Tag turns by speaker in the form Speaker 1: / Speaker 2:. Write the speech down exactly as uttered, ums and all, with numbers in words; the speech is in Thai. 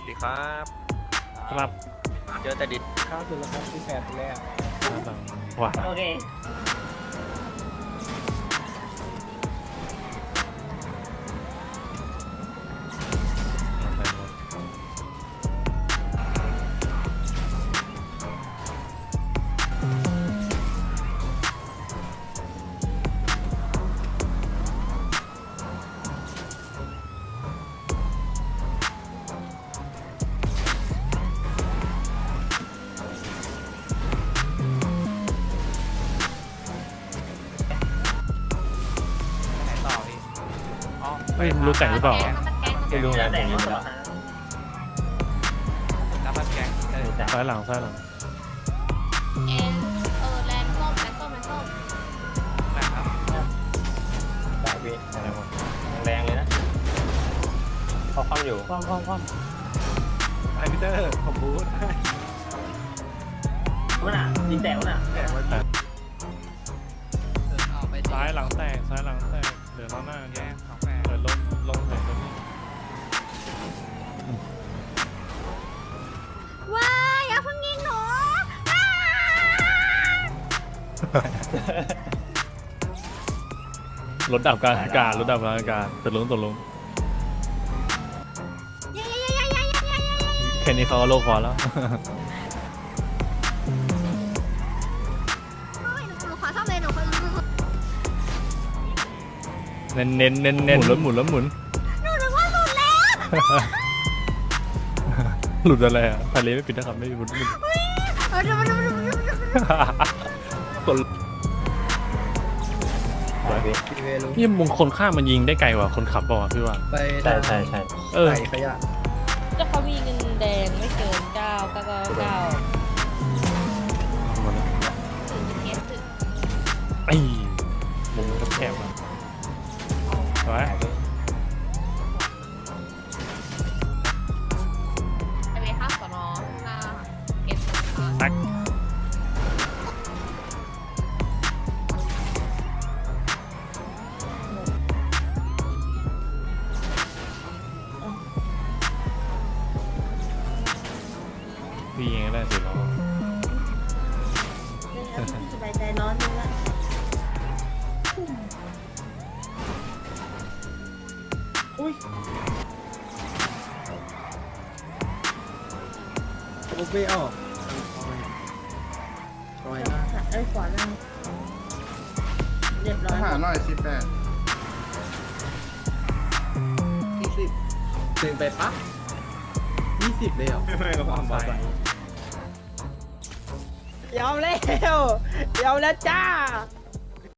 Speaker 1: ดีครับ
Speaker 2: ครับ
Speaker 1: เจอแต่ดิด
Speaker 3: ข้าวสุดแล้วครับที่แปดแรก
Speaker 2: ว้า
Speaker 4: โอเค
Speaker 1: ไหนต่อพี่อ๋อ
Speaker 2: เฮ้ยรู้แต่งหรือเปล่า
Speaker 4: ไม่รู้แล้วแต่งแล้ว
Speaker 1: น้ำมันแกงเออแต่
Speaker 2: ซ้ายหลังซ้ายหลัง
Speaker 5: เอ็นเออแลนด์ส้มแลนด์ส้มแลนด์ส้ม
Speaker 1: นะครับ
Speaker 4: สายวีแรงเลยนะพอความอยู่
Speaker 3: คว่ำคว่ำคว่
Speaker 1: ไอพีเตอร์ผมบูท
Speaker 4: มันอ่ะยิงแตกมันอ่ะ
Speaker 1: แกงไว้
Speaker 2: ซ้ายหลังแตกซ้ายหลังแตกเดี๋ยวล้อหน้า
Speaker 1: แก
Speaker 2: แย่
Speaker 1: งสองแกง
Speaker 2: เปิดลงลงถึงตรงนี้
Speaker 5: ว้ายอย่าเพิ่งยิงหนูอ้าร
Speaker 2: ถดับกลางอากาศรถดับกลางอากาศตกลงตกลง
Speaker 5: เย้เย้เย้เย้เย้เย้เย้เย้
Speaker 2: แค่นี้เขาก็โลกพอแล้ว
Speaker 5: โอ้ยหนูหนูขอซ่อมเลยหนูขอหนูหนู
Speaker 2: เน้นเน้นเน้นเน้นหมุนแล้วหมุนแล้วหมุน
Speaker 5: หนูนึกว่าหลุดแล้ว
Speaker 2: หลุดอะไรอ่ะทะเลไม่ปิดนะครับไม่มีหมุนหมุน
Speaker 5: เออเดี๋ยวมันเดี๋ยวมันเดี๋ยวมันเดี๋ยวมัน
Speaker 2: กด
Speaker 4: สายวี
Speaker 3: ำทีเวลุ
Speaker 2: นี่มงคนข้ามมันยิงได้ไกลกว่าคนขับเปล่าวะพี่ว่า
Speaker 3: ไป
Speaker 4: ใช่ใช่ใช่
Speaker 2: เออ
Speaker 3: ใส่ขยะ
Speaker 6: ก็เขามีเงินแดงไม่เกินเก้าเก้าเก้าเก้า
Speaker 5: ถึงจะเก็ตถึง
Speaker 2: ไอ้มุมแคบๆอ่ะไว้
Speaker 5: ไปเวข้าวสอนอหน้าเก็ตค่ะ
Speaker 2: ตักพี่ยิงได้สิล้อ
Speaker 6: สบายใจร้อนนึงละ
Speaker 3: โอเปออกคอย
Speaker 6: เอ้ยขวานั่งเรียบร้อย
Speaker 7: หาหน่อยสิบแปด
Speaker 3: ยี่สิบหนึ่งไปปั๊บยี่สิบเลยเหรอ
Speaker 1: ไม่กับความไป
Speaker 3: ยอมแล้วยอมแล้วจ้า